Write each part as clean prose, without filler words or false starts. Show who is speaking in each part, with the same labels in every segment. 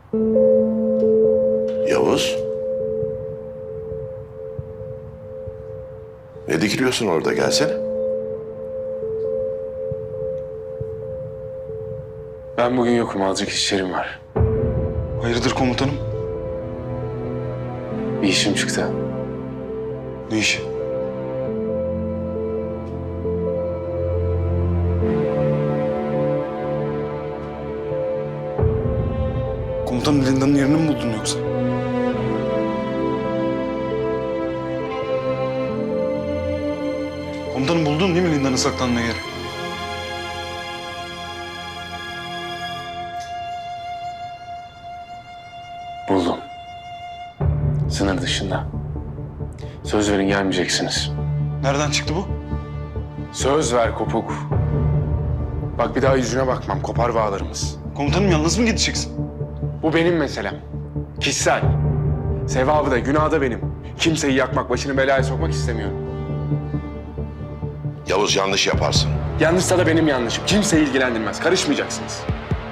Speaker 1: Yavuz. Ne dikiliyorsun orada? Gelsene.
Speaker 2: Ben bugün yokum. Azıcık işlerim var.
Speaker 3: Hayırdır komutanım?
Speaker 2: Bir işim çıktı.
Speaker 3: Ne işi? Komutanım Linda'nın yerini mi buldun yoksa? Komutanım buldun değil mi Linda'nın saklanma yeri?
Speaker 2: Buldum. Sınır dışında. Söz verin gelmeyeceksiniz.
Speaker 3: Nereden çıktı bu?
Speaker 2: Söz ver Kopuk. Bak bir daha yüzüne bakmam. Kopar bağlarımız.
Speaker 3: Komutanım yalnız mı gideceksin?
Speaker 2: Bu benim meselem. Kişisel. Sevabı da günahı da benim. Kimseyi yakmak, başını belaya sokmak istemiyorum.
Speaker 1: Yavuz yanlış yaparsın.
Speaker 2: Yanlışsa da benim yanlışım. Kimseyi ilgilendirmez. Karışmayacaksınız.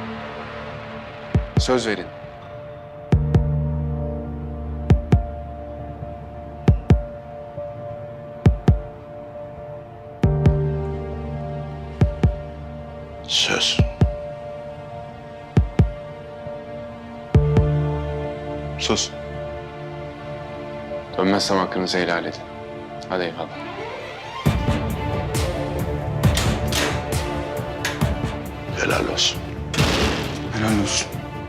Speaker 2: Söz verin.
Speaker 1: Söz.
Speaker 3: Söz.
Speaker 2: Dönmezsem hakkınızı helal edin. Hadi eyvallah.
Speaker 1: Helal olsun.
Speaker 3: Helal olsun.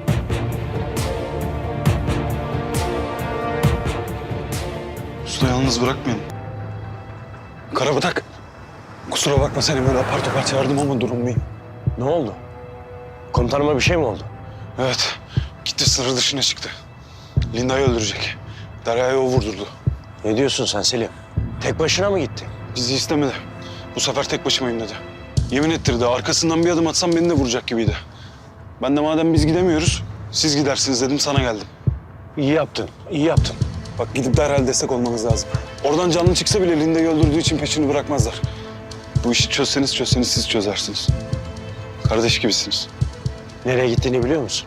Speaker 3: Usta yalnız bırakmayın. Karabatak. Kusura bakma seni böyle apar topar çağırdım ama durumluyum.
Speaker 4: Ne oldu? Komutanıma bir şey mi oldu?
Speaker 3: Evet. Gitti sınır dışına çıktı. Linda'yı öldürecek. Derya'yı o vurdurdu.
Speaker 4: Ne diyorsun sen Selim? Tek başına mı gitti?
Speaker 3: Bizi istemedi. Bu sefer tek başımayım dedi. Yemin ettirdi. Arkasından bir adım atsam beni de vuracak gibiydi. Ben de madem biz gidemiyoruz, siz gidersiniz dedim sana geldim.
Speaker 4: İyi yaptın, iyi yaptın.
Speaker 3: Bak gidip derhal destek olmanız lazım. Oradan canlı çıksa bile Linda'yı öldürdüğü için peşini bırakmazlar. Bu işi çözseniz siz çözersiniz. Kardeş gibisiniz.
Speaker 4: Nereye gittiğini biliyor musun?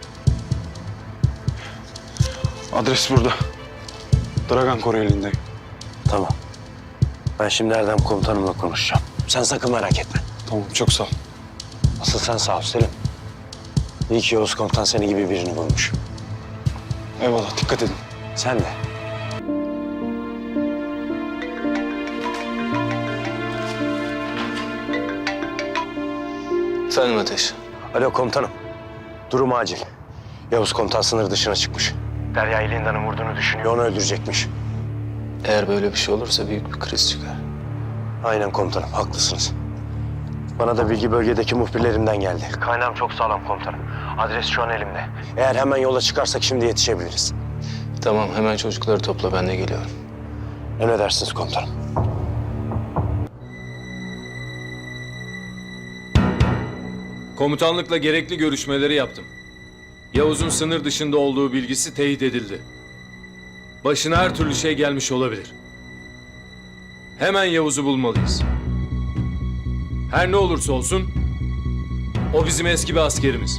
Speaker 3: Adres burada. Dragan koruyor Linda'yı.
Speaker 4: Tamam. Ben şimdi Erdem komutanımla konuşacağım. Sen sakın merak etme.
Speaker 3: Tamam çok sağ ol.
Speaker 4: Asıl sen sağ ol Selim. İyi ki Yavuz komutan seni gibi birini bulmuş.
Speaker 3: Eyvallah dikkat edin.
Speaker 4: Sen de.
Speaker 5: Efendim Ateş.
Speaker 4: Alo komutanım. Durum acil. Yavuz komutan sınır dışına çıkmış. Derya'yı Linda'nın vurduğunu düşünüyor. Onu öldürecekmiş.
Speaker 5: Eğer böyle bir şey olursa büyük bir kriz çıkar.
Speaker 4: Aynen komutanım, haklısınız. Bana da bilgi bölgedeki muhbirlerimden geldi. Kaynağım çok sağlam komutanım. Adres şu an elimde. Eğer hemen yola çıkarsak şimdi yetişebiliriz.
Speaker 5: Tamam hemen çocukları topla ben de geliyorum.
Speaker 4: Emredersiniz komutanım.
Speaker 6: Komutanlıkla gerekli görüşmeleri yaptım. Yavuz'un sınır dışında olduğu bilgisi teyit edildi. Başına her türlü şey gelmiş olabilir. Hemen Yavuz'u bulmalıyız. Her ne olursa olsun, o bizim eski bir askerimiz.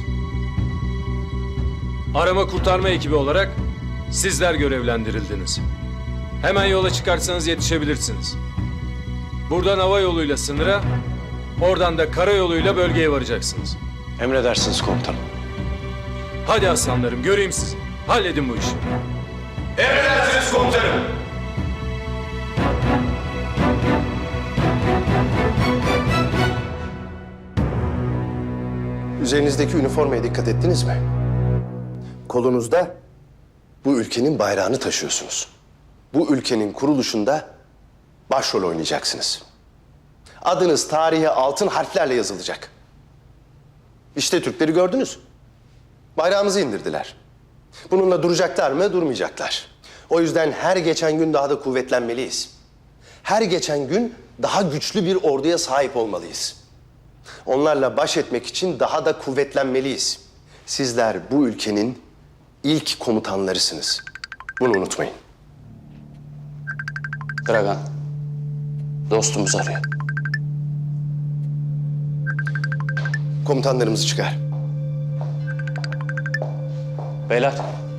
Speaker 6: Arama kurtarma ekibi olarak sizler görevlendirildiniz. Hemen yola çıkarsanız yetişebilirsiniz. Buradan hava yoluyla sınıra, oradan da karayoluyla bölgeye varacaksınız.
Speaker 4: Emredersiniz komutanım.
Speaker 6: Hadi aslanlarım, göreyim sizi. Halledin bu işi. Emredersiniz komutanım.
Speaker 7: Üzerinizdeki üniformaya dikkat ettiniz mi? Kolunuzda bu ülkenin bayrağını taşıyorsunuz. Bu ülkenin kuruluşunda başrol oynayacaksınız. Adınız tarihe altın harflerle yazılacak. İşte Türkleri gördünüz. Bayrağımızı indirdiler. Bununla duracaklar mı? Durmayacaklar. O yüzden her geçen gün daha da kuvvetlenmeliyiz. Her geçen gün daha güçlü bir orduya sahip olmalıyız. Onlarla baş etmek için daha da kuvvetlenmeliyiz. Sizler bu ülkenin ilk komutanlarısınız. Bunu unutmayın.
Speaker 5: Dragan. Dostumuz arıyor.
Speaker 7: Komutanlarımızı çıkar.
Speaker 5: Beyler.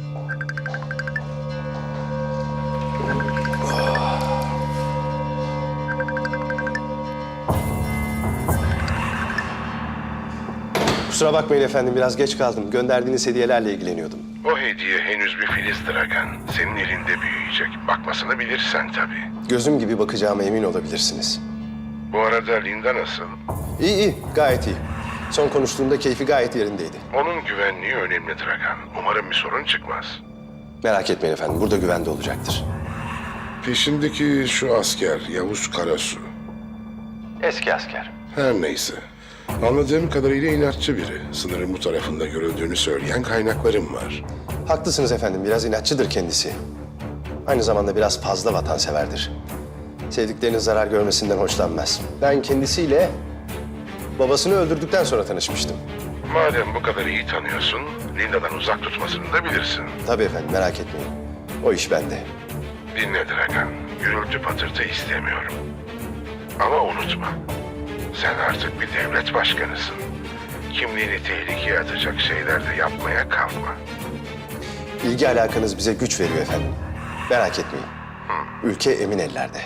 Speaker 7: Kusura bakmayın efendim, biraz geç kaldım. Gönderdiğiniz hediyelerle ilgileniyordum.
Speaker 1: O hediye henüz bir filiz Dragan. Senin elinde büyüyecek. Bakmasını bilirsen tabii.
Speaker 7: Gözüm gibi bakacağıma emin olabilirsiniz.
Speaker 1: Bu arada Linda nasıl?
Speaker 7: İyi iyi, gayet iyi. Son konuştuğumda keyfi gayet yerindeydi.
Speaker 1: Onun güvenliği önemli Dragan. Umarım bir sorun çıkmaz.
Speaker 7: Merak etmeyin efendim, burada güvende olacaktır.
Speaker 1: Peşindeki şu asker Yavuz Karasu.
Speaker 7: Eski asker.
Speaker 1: Her neyse. Anladığım kadarıyla inatçı biri. Sınırın bu tarafında görüldüğünü söyleyen kaynaklarım var.
Speaker 7: Haklısınız efendim, biraz inatçıdır kendisi. Aynı zamanda biraz fazla vatanseverdir. Sevdiklerinin zarar görmesinden hoşlanmaz. Ben kendisiyle babasını öldürdükten sonra tanışmıştım.
Speaker 1: Madem bu kadar iyi tanıyorsun, Linda'dan uzak tutmasını da bilirsin.
Speaker 7: Tabii efendim, merak etmeyin. O iş bende.
Speaker 1: Dinle Dragan, gürültü patırtı istemiyorum. Ama unutma, sen artık bir devlet başkanısın. Kimliğini tehlikeye atacak şeyler de yapmaya kalkma.
Speaker 7: İlgi alakanız bize güç veriyor efendim. Merak etmeyin. Ülke emin ellerde.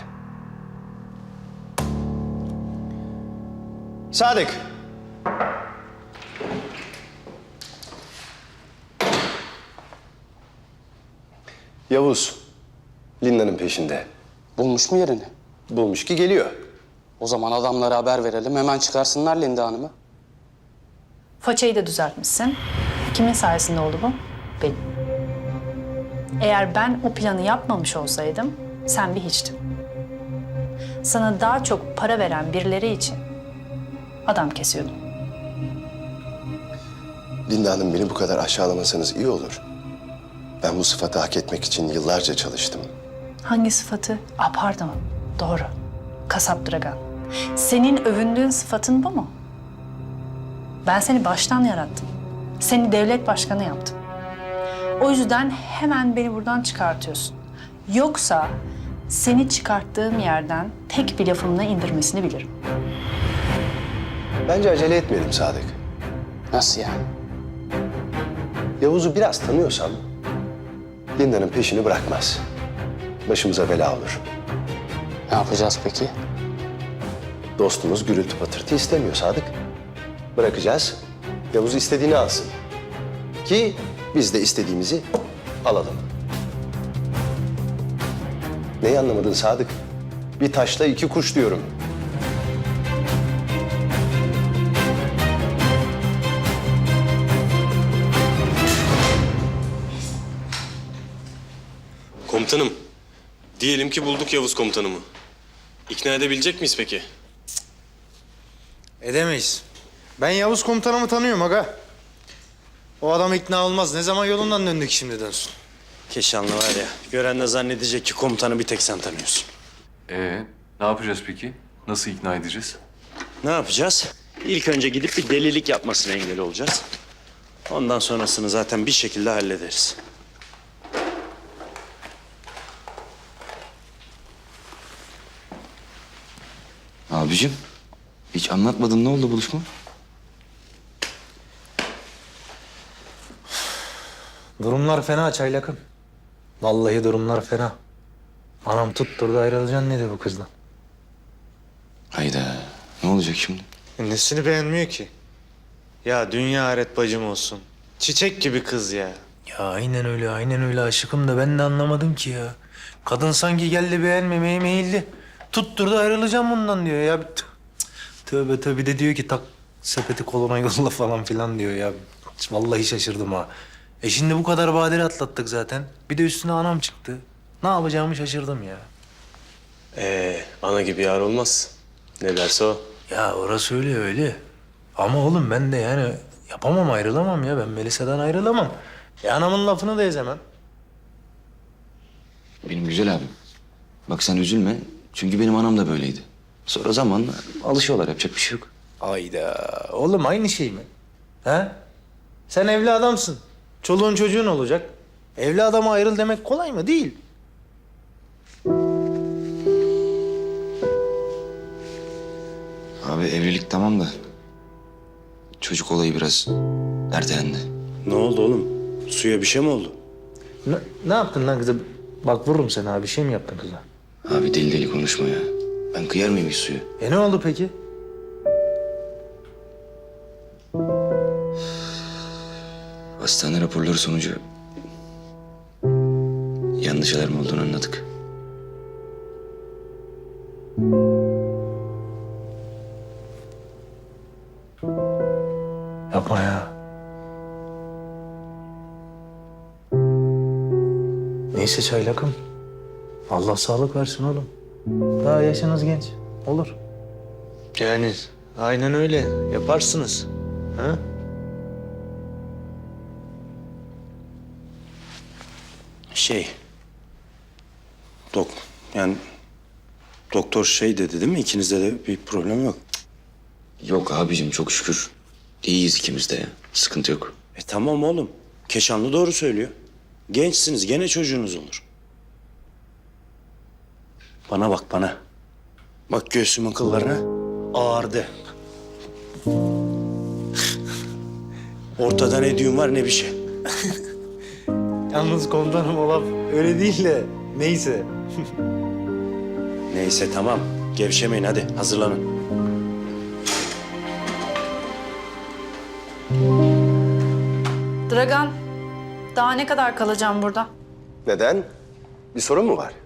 Speaker 7: Sadık. Yavuz, Linda'nın peşinde.
Speaker 5: Bulmuş mu yerini?
Speaker 7: Bulmuş ki geliyor.
Speaker 5: O zaman adamlara haber verelim. Hemen çıkarsınlar Linda Hanım'ı.
Speaker 8: Façayı da düzeltmişsin. Kimin sayesinde oldu bu? Benim. Eğer ben o planı yapmamış olsaydım, sen bir hiçtin. Sana daha çok para veren birileri için adam kesiyordum.
Speaker 7: Linda Hanım, beni bu kadar aşağılamasanız iyi olur. Ben bu sıfatı hak etmek için yıllarca çalıştım.
Speaker 8: Hangi sıfatı? Pardon. Doğru. Kasap Dragan. Senin övündüğün sıfatın bu mu? Ben seni baştan yarattım. Seni devlet başkanı yaptım. O yüzden hemen beni buradan çıkartıyorsun. Yoksa seni çıkarttığım yerden tek bir lafımla indirmesini bilirim.
Speaker 7: Bence acele etmeyelim Sadık.
Speaker 5: Nasıl yani?
Speaker 7: Yavuz'u biraz tanıyorsam Linda'nın peşini bırakmaz. Başımıza bela olur.
Speaker 5: Ne yapacağız peki?
Speaker 7: Dostumuz gürültü patırtı istemiyor Sadık. Bırakacağız. Yavuz istediğini alsın. Ki biz de istediğimizi alalım. Neyi anlamadın Sadık? Bir taşla iki kuş diyorum.
Speaker 9: Komutanım, diyelim ki bulduk Yavuz komutanımı. İkna edebilecek miyiz peki?
Speaker 10: Edemeyiz. Ben Yavuz komutanımı tanıyorum aga. O adam ikna olmaz. Ne zaman yolundan döndük şimdi dönsün.
Speaker 4: Keşanlı var ya, gören de zannedecek ki komutanı bir tek sen tanıyorsun.
Speaker 11: Ne yapacağız peki? Nasıl ikna edeceğiz?
Speaker 4: Ne yapacağız? İlk önce gidip bir delilik yapmasına engel olacağız. Ondan sonrasını zaten bir şekilde hallederiz.
Speaker 12: Abicim, hiç anlatmadın, ne oldu buluşma?
Speaker 10: Durumlar fena Çaylak'ım. Vallahi durumlar fena. Anam tutturdu, ayrılacaksın dedi bu kızla.
Speaker 12: Hayda, ne olacak şimdi?
Speaker 10: Nesini beğenmiyor ki? Ya dünya aret bacım olsun. Çiçek gibi kız ya. Ya aynen öyle, aynen öyle aşıkım da ben de anlamadım ki ya. Kadın sanki geldi beğenmemeye meyilli. Tutturdu, ayrılacağım bundan diyor ya. Tövbe tövbe, de diyor ki tak sepeti koluna yolla falan filan diyor ya. Vallahi şaşırdım ha. Şimdi bu kadar badire atlattık zaten. Bir de üstüne anam çıktı. Ne yapacağımı şaşırdım ya.
Speaker 4: Ana gibi yar olmaz. Ne derse o.
Speaker 10: Ya orası öyle öyle. Ama oğlum ben de yani yapamam, ayrılamam ya. Ben Melisa'dan ayrılamam. Anamın lafını da ezemem.
Speaker 12: Benim güzel abim. Bak sen üzülme, çünkü benim anam da böyleydi. Sonra zamanla alışıyorlar, yapacak bir şey yok.
Speaker 10: Ayda. Oğlum aynı şey mi? Ha? Sen evli adamsın. Çoluğun çocuğun olacak. Evli adama ayrıl demek kolay mı? Değil.
Speaker 12: Abi evlilik tamam da çocuk olayı biraz ertelendi.
Speaker 4: Ne oldu oğlum? Suya bir şey mi oldu?
Speaker 10: Ne yaptın lan kıza? Bak vururum seni abi. Bir şey mi yaptın kıza?
Speaker 12: Abi deli deli konuşma ya. Ben kıyar mıyım hiç suyu?
Speaker 10: Ne oldu peki?
Speaker 12: Hastane raporları sonucu yanlış alarm olduğunu anladık.
Speaker 10: Yapma ya. Neyse çaylakım. Allah sağlık versin oğlum. Daha yaşınız genç. Olur. Yani aynen öyle. Yaparsınız. Ha?
Speaker 4: Yani doktor şey dedi değil mi? İkinizde de bir problem yok.
Speaker 12: Yok abicim çok şükür. İyiyiz ikimiz de ya. Sıkıntı yok.
Speaker 4: Tamam oğlum. Keşanlı doğru söylüyor. Gençsiniz, gene çocuğunuz olur. Bana bak bana. Bak göğsümün kıllarına ağardı. Ortada ne düğün var ne bir şey.
Speaker 10: Yalnız komutanım o laf öyle değil de neyse.
Speaker 4: Neyse tamam. Gevşemeyin hadi hazırlanın.
Speaker 8: Dragan, daha ne kadar kalacağım burada?
Speaker 7: Neden? Bir sorun mu var?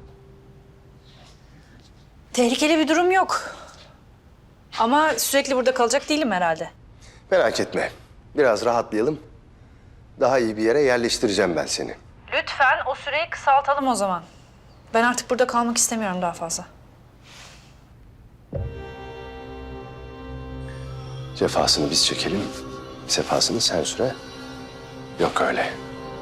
Speaker 8: Tehlikeli bir durum yok. Ama sürekli burada kalacak değilim herhalde.
Speaker 7: Merak etme. Biraz rahatlayalım. Daha iyi bir yere yerleştireceğim ben seni.
Speaker 8: Lütfen o süreyi kısaltalım o zaman. Ben artık burada kalmak istemiyorum daha fazla.
Speaker 7: Cefasını biz çekelim, sefasını sen süre. Yok öyle.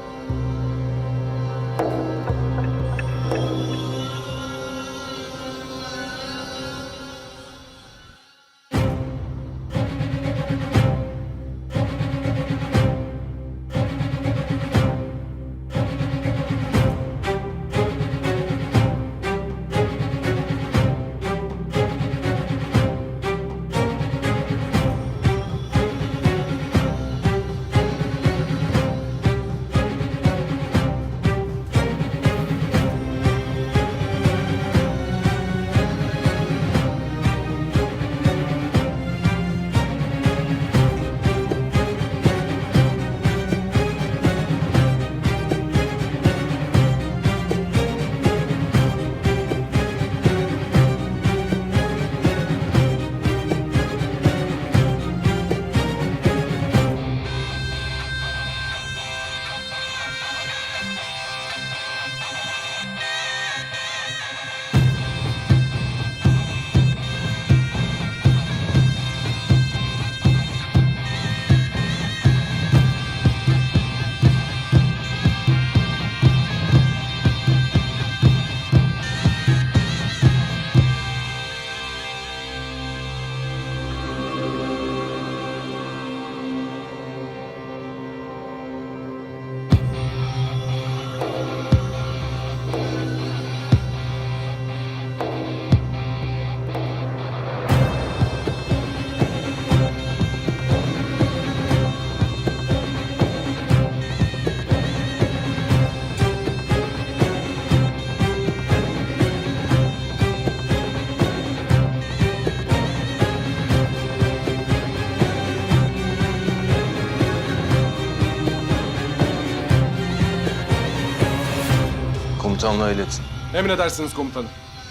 Speaker 9: Komutanlığa iletin.
Speaker 2: Emredersiniz komutanım.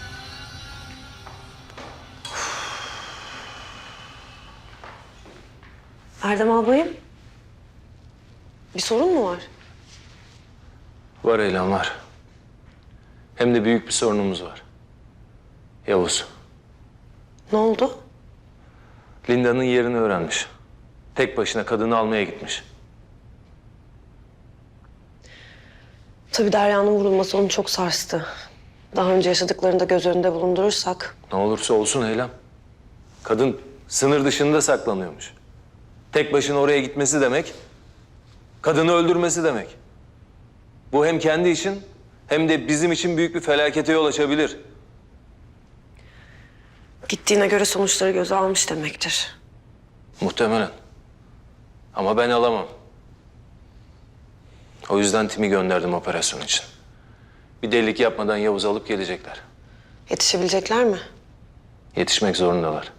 Speaker 13: Erdem albayım. Bir sorun mu var?
Speaker 6: Var Eylem var. Hem de büyük bir sorunumuz var. Yavuz.
Speaker 13: Ne oldu?
Speaker 6: Linda'nın yerini öğrenmiş. Tek başına kadını almaya gitmiş.
Speaker 13: Tabii Derya'nın vurulması onu çok sarstı. Daha önce yaşadıklarını da göz önünde bulundurursak...
Speaker 6: Ne olursa olsun Eylem. Kadın sınır dışında saklanıyormuş. Tek başına oraya gitmesi demek, kadını öldürmesi demek. Bu hem kendi için hem de bizim için büyük bir felakete yol açabilir.
Speaker 13: Gittiğine göre sonuçları göze almış demektir.
Speaker 6: Muhtemelen. Ama ben alamam. O yüzden timi gönderdim operasyon için. Bir delilik yapmadan Yavuz'u alıp gelecekler.
Speaker 13: Yetişebilecekler mi?
Speaker 6: Yetişmek zorundalar.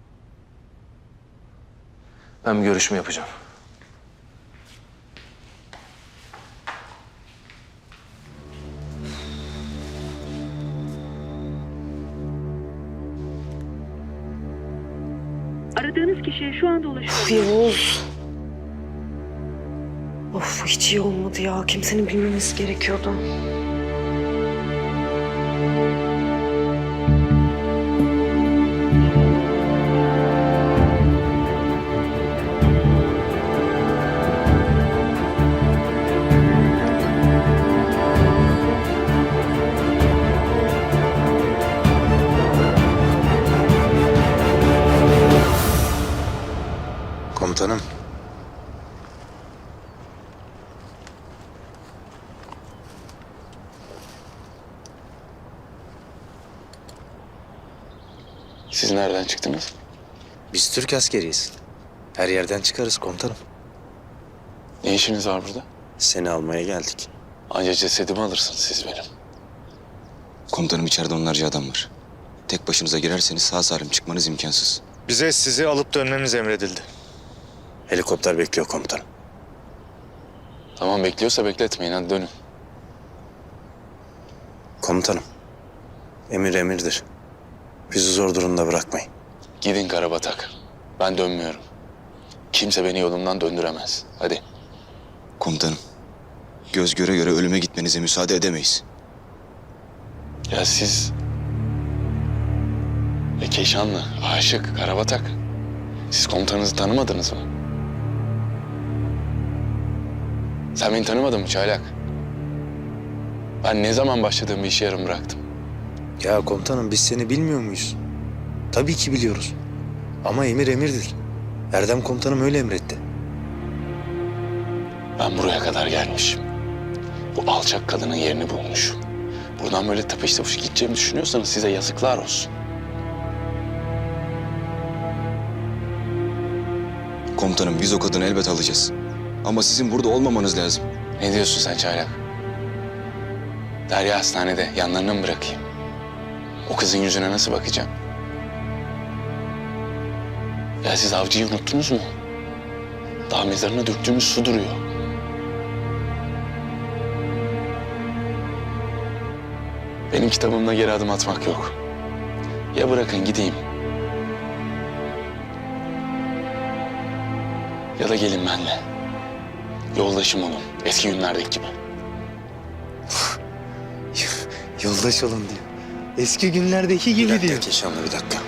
Speaker 6: Ben bir görüşme yapacağım.
Speaker 14: Aradığınız kişiye şu anda ulaşılamıyor.
Speaker 13: Of Yavuz. Of hiç iyi olmadı ya. Kimsenin bilmemesi gerekiyordu.
Speaker 10: Komutanım.
Speaker 2: Siz nereden çıktınız?
Speaker 10: Biz Türk askeriyiz. Her yerden çıkarız komutanım.
Speaker 2: Ne işiniz var burada?
Speaker 10: Seni almaya geldik.
Speaker 2: Anca cesedimi alırsınız siz benim.
Speaker 12: Komutanım içeride onlarca adam var. Tek başınıza girerseniz sağ salim çıkmanız imkansız.
Speaker 10: Bize sizi alıp dönmemiz emredildi. Helikopter bekliyor komutanım.
Speaker 2: Tamam bekliyorsa bekletmeyin hadi dönün.
Speaker 10: Komutanım. Emir emirdir. Bizi zor durumda bırakmayın.
Speaker 2: Gidin Karabatak. Ben dönmüyorum. Kimse beni yolumdan döndüremez. Hadi.
Speaker 12: Komutanım, göz göre göre ölüme gitmenize müsaade edemeyiz.
Speaker 2: Ya siz... Keşanlı, Aşık, Karabatak. Siz komutanınızı tanımadınız mı? Sen beni tanımadın mı Çaylak? Ben ne zaman başladığım bir işi yarım bıraktım.
Speaker 10: Ya komutanım biz seni bilmiyor muyuz? Tabii ki biliyoruz. Ama emir emirdir. Erdem komutanım öyle emretti.
Speaker 2: Ben buraya kadar gelmişim. Bu alçak kadının yerini bulmuşum. Buradan böyle tıpış tıpış gideceğimi düşünüyorsanız size yazıklar olsun.
Speaker 12: Komutanım biz o kadını elbet alacağız. Ama sizin burada olmamanız lazım.
Speaker 2: Ne diyorsun sen Çaylak? Derya hastanede yanlarına mı bırakayım? O kızın yüzüne nasıl bakacağım? Ya siz avcıyı unuttunuz mu? Daha mezarına döktüğümüz su duruyor. Benim kitabımda geri adım atmak yok. Ya bırakın gideyim. Ya da gelin benimle. Yoldaşım olun. Eski günlerdeki gibi.
Speaker 10: Yoldaş olun diyor. Eski günlerdeki gibi diyor.
Speaker 4: Keşanlı bir dakika.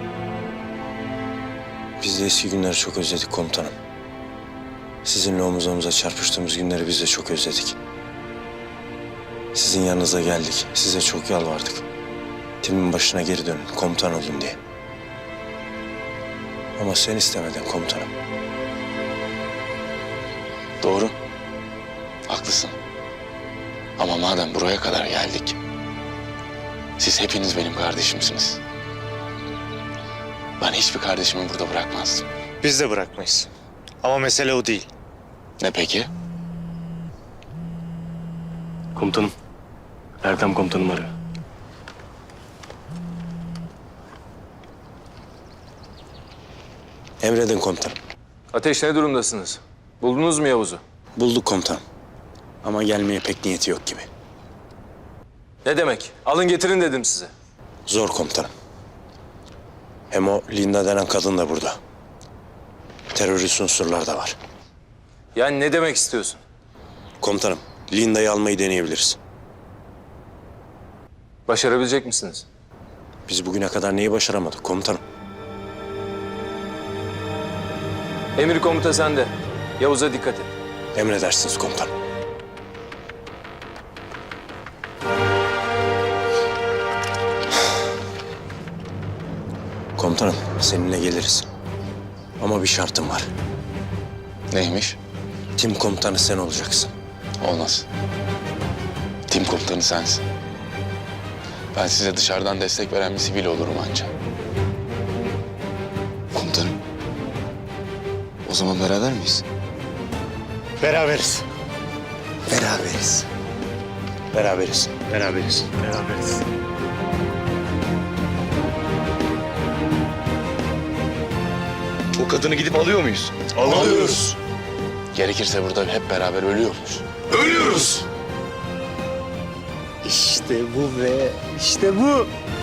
Speaker 4: Biz de eski günleri çok özledik komutanım. Sizinle omuz omuza çarpıştığımız günleri biz de çok özledik. Sizin yanınıza geldik. Size çok yalvardık. Timin başına geri dönün, komutan olun diye. Ama sen istemedin komutanım.
Speaker 2: Doğru. Haklısın. Ama madem buraya kadar geldik... Siz hepiniz benim kardeşimsiniz. Ben hiçbir kardeşimi burada bırakmazdım.
Speaker 10: Biz de bırakmayız. Ama mesele o değil.
Speaker 2: Ne peki?
Speaker 4: Komutanım. Erdem komutanım arıyor. Emredin komutanım.
Speaker 6: Ateş ne durumdasınız? Buldunuz mu Yavuz'u?
Speaker 4: Bulduk komutanım. Ama gelmeye pek niyeti yok gibi.
Speaker 6: Ne demek? Alın getirin dedim size.
Speaker 4: Zor komutanım. Hem o Linda denen kadın da burada. Terörist unsurlar da var.
Speaker 6: Yani ne demek istiyorsun?
Speaker 4: Komutanım, Linda'yı almayı deneyebiliriz.
Speaker 6: Başarabilecek misiniz?
Speaker 4: Biz bugüne kadar neyi başaramadık komutanım?
Speaker 6: Emir komuta sende. Yavuz'a dikkat et.
Speaker 4: Emredersiniz komutanım. Komutanım, seninle geliriz. Ama bir şartım var.
Speaker 2: Neymiş?
Speaker 4: Tim komutanı sen olacaksın.
Speaker 2: Olmaz. Tim komutanı sensin. Ben size dışarıdan destek veren bir sivil olurum anca.
Speaker 12: Komutanım. O zaman beraber miyiz?
Speaker 10: Beraberiz.
Speaker 4: Beraberiz. Beraberiz. Beraberiz. Beraberiz.
Speaker 2: O kadını gidip alıyor muyuz?
Speaker 4: Alıyoruz.
Speaker 2: Gerekirse burada hep beraber ölüyoruz.
Speaker 4: Ölüyoruz. İşte bu be. İşte bu.